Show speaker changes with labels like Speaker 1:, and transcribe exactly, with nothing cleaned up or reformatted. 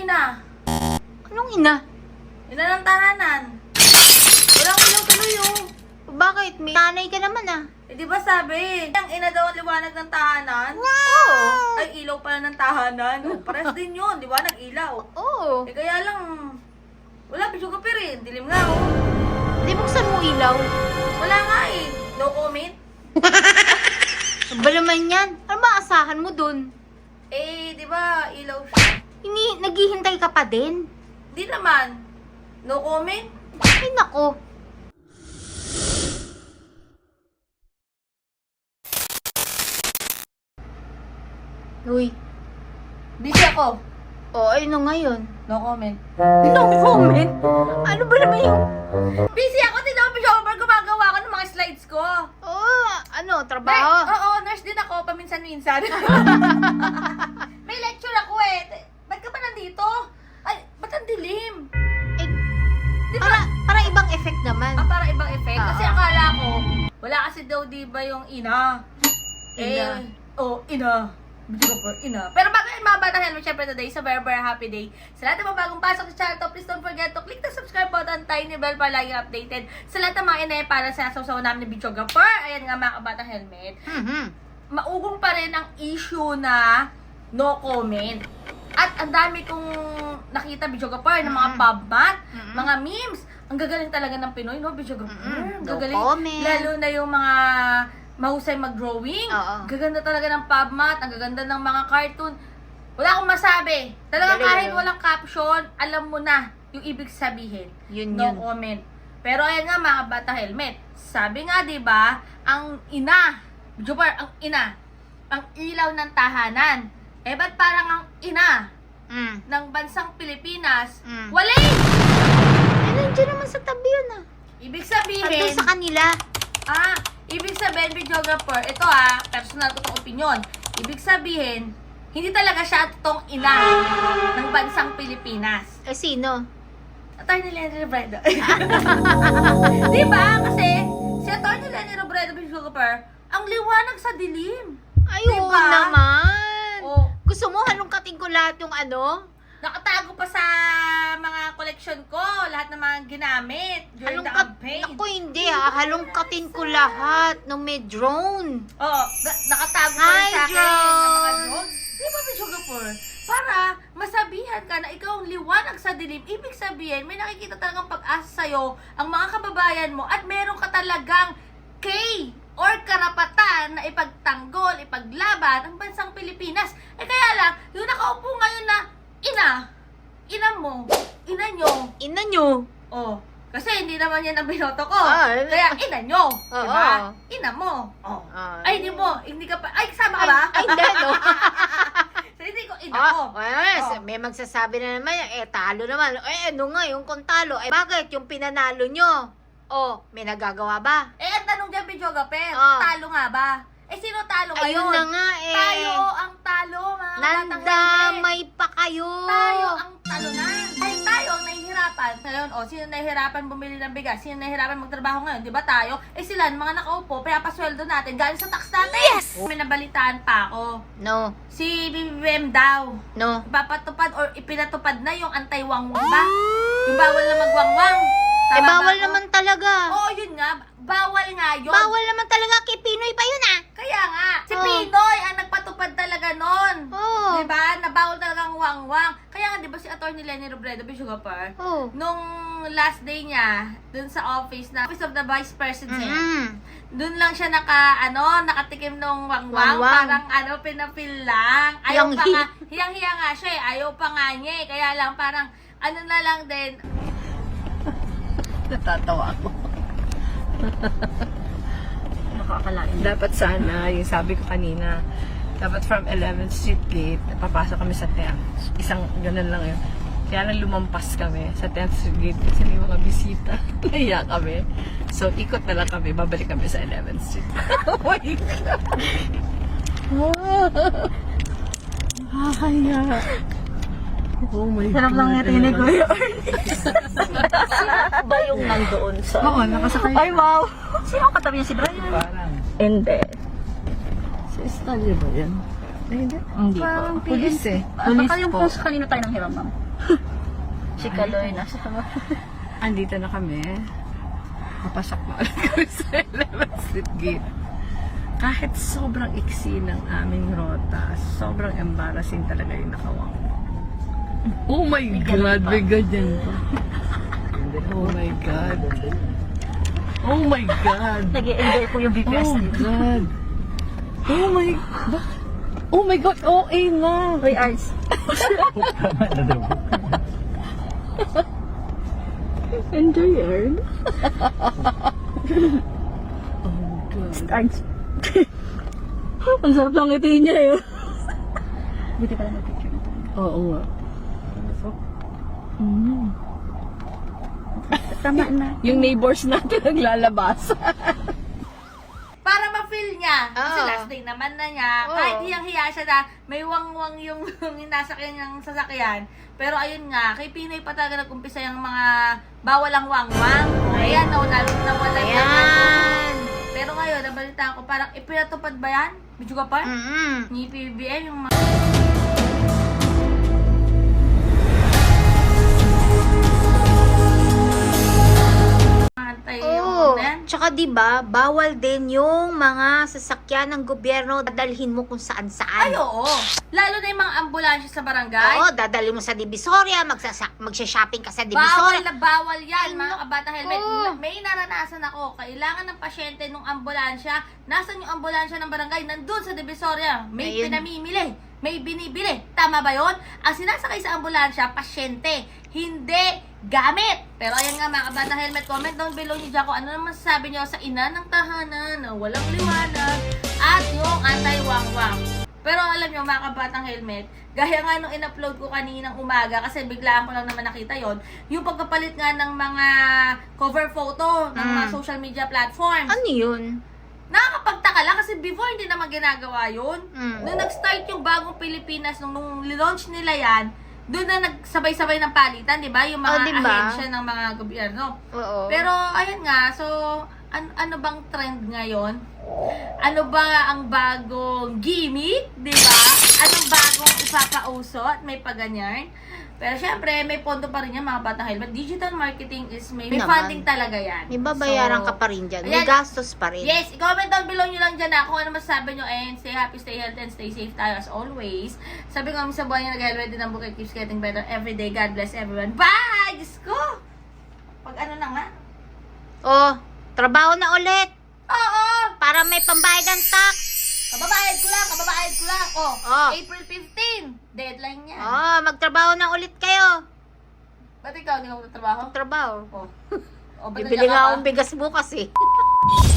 Speaker 1: ina.
Speaker 2: Anong ina?
Speaker 1: Ina ng tahanan. Walang ilaw tuloy oh.
Speaker 2: Bakit? May nanay ka naman ah.
Speaker 1: Eh di ba sabi, ang ina daw ang liwanag ng tahanan?
Speaker 2: Oo.
Speaker 1: Ay, ilaw pala ng tahanan. Oh, pares din yun, di ba? Nag-ilaw.
Speaker 2: Oo.
Speaker 1: Eh kaya lang, wala, bisyo ka pa rin. Dilim nga oh.
Speaker 2: Hindi buksan mo ilaw.
Speaker 1: Wala nga eh. No comment.
Speaker 2: Ano ba naman yan? Ano ba asahan mo dun?
Speaker 1: Eh, di ba, ilaw siya.
Speaker 2: Ini, naghihintay ka pa din?
Speaker 1: Di naman. No comment.
Speaker 2: Ay nako. Uy.
Speaker 1: Busy ako.
Speaker 2: O, ay no ngayon.
Speaker 1: No comment.
Speaker 2: No comment? Ano ba naman yung...
Speaker 1: Busy ako, di daw over gumagawa ko ng mga slides ko.
Speaker 2: Oh, ano,
Speaker 1: Ay,
Speaker 2: trabaho?
Speaker 1: oo, nurse din ako, paminsan-minsan. May lecture ako eh. Ba't ka ba nandito? Ay, ba't ang dilim?
Speaker 2: Eh,
Speaker 1: Di
Speaker 2: para,
Speaker 1: ba?
Speaker 2: para ibang effect naman.
Speaker 1: Ah, para ibang effect. Kasi
Speaker 2: Oo.
Speaker 1: akala ko, wala kasi daw di ba yung ina.
Speaker 2: Ina.
Speaker 1: Eh, oh, ina. Video ko ina. Pero bago yan mga bata helmet, syempre today is a very very happy day. Sa lahat ng mga bagong pasok sa channel to, please don't forget to click the subscribe button, tiny bell para lagi updated. Sa lahat ng mga inay para sa sasaw namin ni videographer. Ayan nga mga kabata helmet.
Speaker 2: Mhm.
Speaker 1: Maugong pa rin ang issue na no comment. At ang dami kong nakita videographer ng mga
Speaker 2: Mm.
Speaker 1: pubmat,
Speaker 2: Mm.
Speaker 1: mga memes. Ang gagaling talaga ng Pinoy, no, videographer?
Speaker 2: Mm.
Speaker 1: Ang
Speaker 2: No
Speaker 1: gagaling.
Speaker 2: comment.
Speaker 1: Lalo na yung mga mahusay mag-drawing.
Speaker 2: Oo.
Speaker 1: Gaganda talaga ng pubmat, ang gaganda ng mga cartoon. Wala akong masabi. Talagang
Speaker 2: Galing,
Speaker 1: kahit
Speaker 2: no?
Speaker 1: walang caption, alam mo na yung ibig sabihin.
Speaker 2: Yun
Speaker 1: No
Speaker 2: yun.
Speaker 1: comment. Pero ayan nga mga bata helmet. Sabi nga 'di ba, ang ina, Jupar, ang ina, ang ilaw ng tahanan. Eh ba't parang ang ina
Speaker 2: Mm.
Speaker 1: ng bansang Pilipinas,
Speaker 2: Mm.
Speaker 1: wala?
Speaker 2: Eh, nandiyan naman sa tabi yun ah.
Speaker 1: Ibig
Speaker 2: Andun
Speaker 1: sabihin,
Speaker 2: sa kanila.
Speaker 1: ah, ibig sabihin videographer, ito ah, personal ko tong opinion. Ibig sabihin, hindi talaga siya totoong ina ng bansang Pilipinas.
Speaker 2: Eh, sino?
Speaker 1: Attorney Lenny Robredo. Di ba? Kasi, si Attorney Lenny Robredo, videographer, ang liwanag sa dilim.
Speaker 2: Ay,
Speaker 1: Diba?
Speaker 2: oo naman.
Speaker 1: O,
Speaker 2: Gusto mo halongkatin ko lahat yung ano?
Speaker 1: nakatago pa sa mga collection ko, lahat ng mga ginamit during the
Speaker 2: Halongkat...
Speaker 1: campaign.
Speaker 2: Naku, hindi ah. Halongkatin ko lahat ng may drone.
Speaker 1: Oo, na- nakatago pa
Speaker 2: Hi,
Speaker 1: rin sa akin ng mga
Speaker 2: drone.
Speaker 1: drone. Di ba, videographer? Para masabihan ka na ikaw ang liwanag sa dilim, ibig sabihin, may nakikita talagang pag-asa sa'yo ang mga kababayan mo at meron ka talagang K or karapatan na ipagtanggol, ipaglaban ang bansang Pilipinas. Eh kaya lang, yung nakaupo ngayon na ina, ina mo, ina nyo,
Speaker 2: Ina nyo.
Speaker 1: oh, kasi hindi naman yan ang binoto ko.
Speaker 2: Ah, eh.
Speaker 1: Kaya ina nyo,
Speaker 2: Oo.
Speaker 1: diba? Ina mo. Oh.
Speaker 2: Ah,
Speaker 1: Ay, hindi mo, hindi ka pa, ay, kasama ka ba?
Speaker 2: Ay, hindi, no?
Speaker 1: So, hindi ko ina ko.
Speaker 2: Ah, yes,
Speaker 1: Oh.
Speaker 2: may magsasabi na naman, eh, talo naman. Eh, ano nga, yung kung talo, eh, bakit yung pinanalo nyo? Oh, may nagagawa ba?
Speaker 1: Eh, ang tanong dyan, videographer,
Speaker 2: Oh.
Speaker 1: talo nga ba? Eh, sino talo ngayon?
Speaker 2: Ayun na nga, eh.
Speaker 1: Tayo ang talo, mga batang helmet.
Speaker 2: Nandamay pa kayo.
Speaker 1: Tayo ang talunan. Ay, tayo ang nahihirapan. Ngayon, oh, sino nahihirapan bumili ng bigas? Sino nahihirapan magtrabaho ngayon? Di ba tayo? Eh, sila, mga nakaupo, pinapasweldo natin, galing sa tax natin.
Speaker 2: Yes!
Speaker 1: May nabalitaan pa ako.
Speaker 2: No,
Speaker 1: Si B B M daw,
Speaker 2: no.
Speaker 1: ipapatupad or ipinatupad na yung anti-wangwang ba? Yung bawal na magwangwang.
Speaker 2: Eh,
Speaker 1: Tama ba
Speaker 2: bawal
Speaker 1: ako?
Speaker 2: naman talaga.
Speaker 1: Oo, yun nga. Bawal nga yun.
Speaker 2: Bawal naman talaga kay Pinoy pa yun, ah.
Speaker 1: Kaya nga, si
Speaker 2: Oh.
Speaker 1: Pinoy ang nagpatupad talaga nun.
Speaker 2: Oo.
Speaker 1: Diba? Na bawal talagang wangwang. Kaya nga, diba si Atty. Lenny Robredo, Bishopar,
Speaker 2: Oh.
Speaker 1: nung last day niya, dun sa office na, Office of the Vice President,
Speaker 2: Mm.
Speaker 1: dun lang siya naka, ano, nakatikim nung wangwang.
Speaker 2: Wangwang.
Speaker 1: Parang, ano, pinapil lang. Ayaw pa
Speaker 2: Hiyang-hi-
Speaker 1: nga, hiyang-hiya nga siya eh. Ayaw pa nga niya eh. Kaya lang, parang, ano na lang din,
Speaker 3: Natatawa ako.
Speaker 1: nakakalain.
Speaker 3: Dapat sana, yung sabi ko kanina, dapat from eleventh Street Gate, papasok kami sa tenth. Isang ganun lang yun. Kaya lang lumampas kami sa tenth Street Gate kasi may mga bisita. Naiya kami. So, ikot na lang kami. Babalik kami sa eleventh Street. Oh my God! Nakakaya. Oh my God.
Speaker 1: Sarap lang natinig ko yun.
Speaker 3: Ba yung nandoon sa...
Speaker 1: Oo, nakasakay.
Speaker 3: Ay, wow!
Speaker 1: Sino ang katabi niya? Si Brian?
Speaker 3: Parang. Hindi. Sa Estalyo ba yan? Ay, hindi.
Speaker 1: Hindi
Speaker 3: Parang
Speaker 1: po.
Speaker 3: pulis eh.
Speaker 1: Baka yung kung sa kanino tayo nang hiram, ma'am.
Speaker 4: Chikaloy, nasa mo.
Speaker 3: Andito na kami. Papasok na ulit kami sa eleventh Street Gate. Kahit sobrang iksi ng aming rota, sobrang embarrassing talaga yung nakawang. Oh my God, may ganyan pa. Oh my God. Oh my God.
Speaker 4: Nag-i-enjoy po yung B P S.
Speaker 3: Oh God. Oh my God. Oh my God, O A na.
Speaker 4: Uy, Arts.
Speaker 3: Enjoy yarn. Oh God.
Speaker 4: Arts. Ang sarap lang itiin niya yun. Buti pala mag-picture nito.
Speaker 3: Oo nga.
Speaker 4: Mm. Tama na.
Speaker 3: Yung neighbors natin naglalabas.
Speaker 1: Para ma-feel niya. Kasi
Speaker 2: Oo.
Speaker 1: last day naman na niya.
Speaker 2: Oo.
Speaker 1: Kahit hiyang-hiya siya na may wang-wang yung, yung nasa kanyang sasakyan. Pero ayun nga, kay Pinoy pa talaga nag-umpisa yung mga bawal ang wang-wang. Ayan, no, lalo na wala yung
Speaker 2: Ayan.
Speaker 1: Pero ngayon, nabalitaan ko, parang ipinatupad ba yan? Medyo ka pa?
Speaker 2: Mm-mm.
Speaker 1: Ni P B B M, yung mga... Antay yung
Speaker 2: Oo.
Speaker 1: ano yan.
Speaker 2: Tsaka 'di ba, bawal din yung mga sasakyan ng gobyerno dadalhin mo kung saan-saan.
Speaker 1: Ay, oo. Lalo na yung mga ambulansya sa barangay.
Speaker 2: Oo, dadalhin mo sa Divisoria, magsasa- magsha-shopping ka sa
Speaker 1: Bawal
Speaker 2: Divisoria.
Speaker 1: na bawal yan,
Speaker 2: Ay,
Speaker 1: mga kabata helmet.
Speaker 2: oo.
Speaker 1: May naranasan ako. Kailangan ng pasyente nung ambulansya. Nasaan yung ambulansya ng barangay? Nandun sa Divisoria. May
Speaker 2: Ayun.
Speaker 1: pinamimili. May binibili. Tama ba yon? Ang sinasakay sa ambulansya, pasyente. Hindi gamit. Pero ayan nga mga kabata helmet, comment down below niyo dyan kung ano naman sasabi niyo sa ina ng tahanan na walang liwanag at yung anti-wang-wang. Pero alam niyo mga kabatang helmet, gaya nga nung in-upload ko kaninang umaga kasi biglaan ko lang naman nakita yon, yung pagkapalit nga ng mga cover photo ng mga
Speaker 2: Mm.
Speaker 1: social media platforms.
Speaker 2: Ano 'yun?
Speaker 1: Nakakapagtaka lang kasi before hindi naman ginagawa yun.
Speaker 2: Mm.
Speaker 1: Nung nag-start yung bagong Pilipinas, nung, nung launch nila yan, doon na nagsabay-sabay ng palitan, di ba? Yung mga
Speaker 2: Oh, di ba?
Speaker 1: ahensya ng mga gobyerno.
Speaker 2: Oo.
Speaker 1: Pero, ayun nga, so, an- ano bang trend ngayon? Ano ba ang bagong gimmick, di ba? Anong bagong ipapauso at may paganyan? Pero syempre, may pondo pa rin yan mga batang helmet. Digital marketing is may, may
Speaker 2: Naman.
Speaker 1: funding talaga yan.
Speaker 2: May babayaran
Speaker 1: So,
Speaker 2: ka pa rin dyan. May
Speaker 1: ayan.
Speaker 2: gastos pa rin.
Speaker 1: Yes, i-comment down below nyo lang dyan na kung ano masasabi nyo, and stay happy, stay healthy, and stay safe tayo as always. Sabi ko kami sa buhay nyo, nag-helmet din ang bukit keeps getting better every day. God bless everyone. Bye! Diyos ko! Pag ano na nga?
Speaker 2: Oh, trabaho na ulit.
Speaker 1: Oo!
Speaker 2: Para may pambayad ng tax.
Speaker 1: Kababayad ko lang, kababayad ko lang. Oh,
Speaker 2: Oh.
Speaker 1: April fifteenth. Deadline yan.
Speaker 2: Oh, magtrabaho na ulit kayo.
Speaker 1: Ba't ikaw, hindi ka magtatrabaho?
Speaker 2: Trabaho.
Speaker 1: Oh. Oh, ba't
Speaker 2: Bibili
Speaker 1: nandiyan ka
Speaker 2: nga
Speaker 1: pa?
Speaker 2: akong bigas bukas eh.